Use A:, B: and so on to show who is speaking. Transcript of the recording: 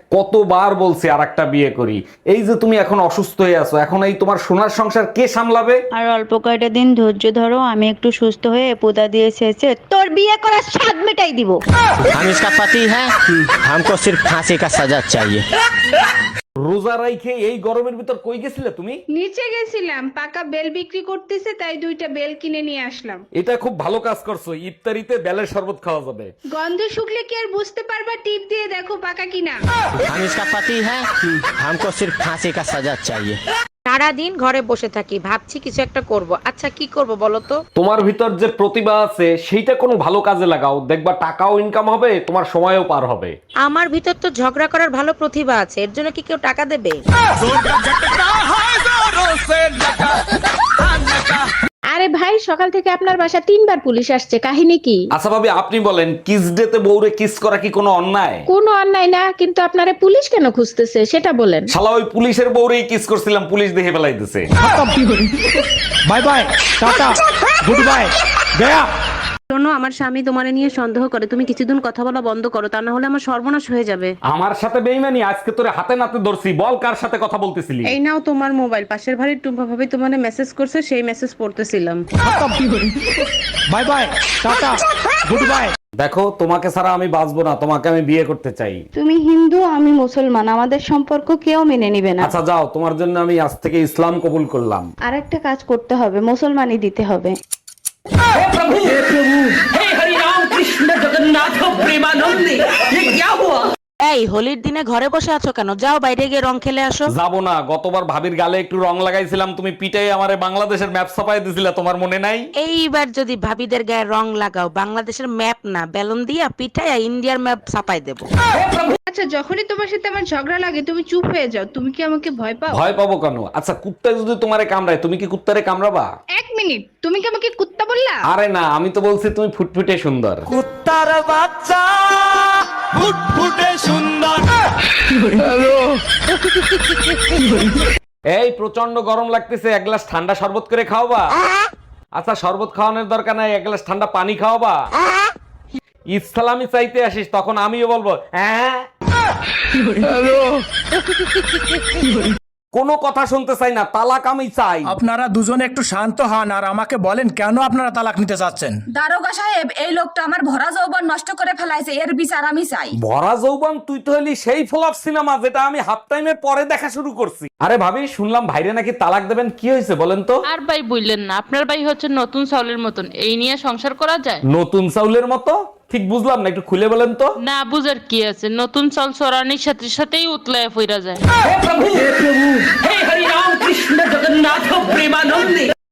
A: কতবার বলছি আর একটা বিয়ে করি, এই যে তুমি এখন অসুস্থ হয়ে আছো, এখন এই তোমার সোনার সংসার কে সামলাবে?
B: আর অল্প কয়টা দিন ধৈর্য ধরো, আমি একটু সুস্থ হয়ে পুদা দিয়ে শেষে তোর বিয়ে করার স্বাদ মেটাই দিব।
C: हम इसका पति है, हमको सिर्फ फांसी का सजा चाहिए।
A: রোজা রাইখে এই গরমের ভিতর কই গেছিলে তুমি?
D: নিচে গেছিলাম, পাকা বেল বিক্রি করতেছে, তাই 2টা বেল কিনে নিয়ে আসলাম।
A: এটা খুব ভালো কাজ করছো, ইফতারিতে বেলের শরবত খাওয়া যাবে।
D: গন্ধে শুকলে কি আর বুঝতে পারবা? টিপ দিয়ে দেখো পাকা কিনা।
C: हम इसका पति है, हमको सिर्फ फांसी का सजा चाहिए।
E: সারাদিন ঘরে বসে থাকি, ভাবছি কিছু একটা করব। আচ্ছা কি করব বলো তো?
A: তোমার ভিতর যে প্রতিভা আছে সেইটা কোনো ভালো কাজে লাগাও, দেখবা টাকাও ইনকাম হবে, তোমার সময়ও পার হবে।
E: আমার ভিতর তো ঝগড়া করার ভালো প্রতিভা আছে, এর জন্য কি কেউ টাকা দেবে?
D: আরে ভাই, সকাল থেকে আপনার বাসা 3বার পুলিশ আসছে, কাহিনী কি?
A: আচ্ছা ভাবি, আপনি বলেন, কিস ডেতে বউরে কিস করা কি কোনো অন্যায়?
D: কোনো অন্যায় না, কিন্তু আপনারে পুলিশ কেন খুঁজতেছে সেটা বলেন।
A: শালা ওই পুলিশের বউরেই কিস করছিলাম, পুলিশ দেখে ফেলাইতেছে।
C: Bye bye, tata, goodbye, गया।
F: শোনো, আমার স্বামী তোমারে নিয়ে সন্দেহ করে, তুমি কিছুদিন কথা বলা বন্ধ করো, তা না হলে আমার সর্বনাশ হয়ে যাবে।
A: আমার সাথে বেইমানি, আজকে তোরে হাতে নাতে ধরছি, বল কার সাথে কথা বলতেছিলি?
F: এই নাও তোমার মোবাইল, পাশের বাড়ির টুম্পা ভাবি তোমারে মেসেজ করছে, সেই মেসেজ পড়তেছিলাম।
C: Bye bye, tata, goodbye.
A: দেখো, তোমাকে ছাড়া আমি বাঁচবো না, তোমাকে আমি বিয়ে করতে চাই।
B: তুমি হিন্দু, আমি মুসলমান, আমাদের সম্পর্ক কেউ মেনে নিবে না।
A: আচ্ছা যাও, তোমার জন্য আমি আজ থেকে ইসলাম কবুল করলাম।
B: আর একটা কাজ করতে হবে, মুসলমানই দিতে হবে।
E: এই হোলির দিনে ঘরে বসে আছো কেন? যাও বাইরে গিয়ে রং খেলে আসো।
A: যাবো না, গতবার ভাবির গালে একটু রং লাগাইছিলাম, তুমি পিটাই আমারে বাংলাদেশের ম্যাপ ছাপাই দিছিলা, তোমার মনে নাই?
E: এইবার যদি ভাবিদের গায়ে রং লাগাও, বাংলাদেশের ম্যাপ না বেলুন দিয়া পিঠাইয়া ইন্ডিয়ার ম্যাপ ছাপাই দেবো।
D: আচ্ছা, যখনই তোমার সাথে আমার ঝগড়া লাগে তুমি চুপ হয়ে যাও, তুমি কি আমাকে ভয় পাও?
A: ভয় পাবো কেন? আচ্ছা, কুত্তা যদি তোমারে কামড়ায়, তুমি কি কুত্তারে কামড়াবা?
D: 1 মিনিট, তুমি কি আমাকে কুত্তা বললা?
A: আরে না, আমি তো বলছি তুমি ফুটফুটে সুন্দর।
C: कुत्तार बाच्चा, फुटफुटे सुंदर।
A: এই প্রচন্ড গরম লাগতেছে, এক গ্লাস ঠান্ডা শরবত করে খাওয়াবা? আচ্ছা, শরবত খাওয়ানোর দরকার নাই, এক গ্লাস ঠান্ডা পানি খাওয়াবা? ইসলামি চাইতে আসিস, তখন আমিও বলবো হ্যাঁ। কোনো কথা শুনতে চাই না, তালাক আমি চাই।
G: আপনারা দুজনে একটু শান্ত হন আর আমাকে বলেন কেন আপনারা তালাক নিতে চাচ্ছেন।
H: দারোগা সাহেব, এই লোকটা আমার ভরা যৌবন নষ্ট করে ফেলাইছে, এর বিচার আমি চাই।
A: ভরা যৌবন? তুই তো হলি সেই ফ্লপ সিনেমা যেটা আমি হাফ টাইমের পরে দেখা শুরু করছি। আরে ভাবি, শুনলাম ভাইরে নাকি তালাক দেবেন, কি হয়েছে বলেন তো?
I: আর ভাই বললেন না, আপনার ভাই হচ্ছে নতুন চাউলের মতন, এই নিয়ে সংসার করা যায়?
A: নতুন চাউলের মতো? ঠিক বুঝলাম না, একটু খুলে বলেন তো।
I: না বুঝার কি আছে, নতুন চাল চড়ানির সাথে সাথেই উতলায় ফিরা যায়।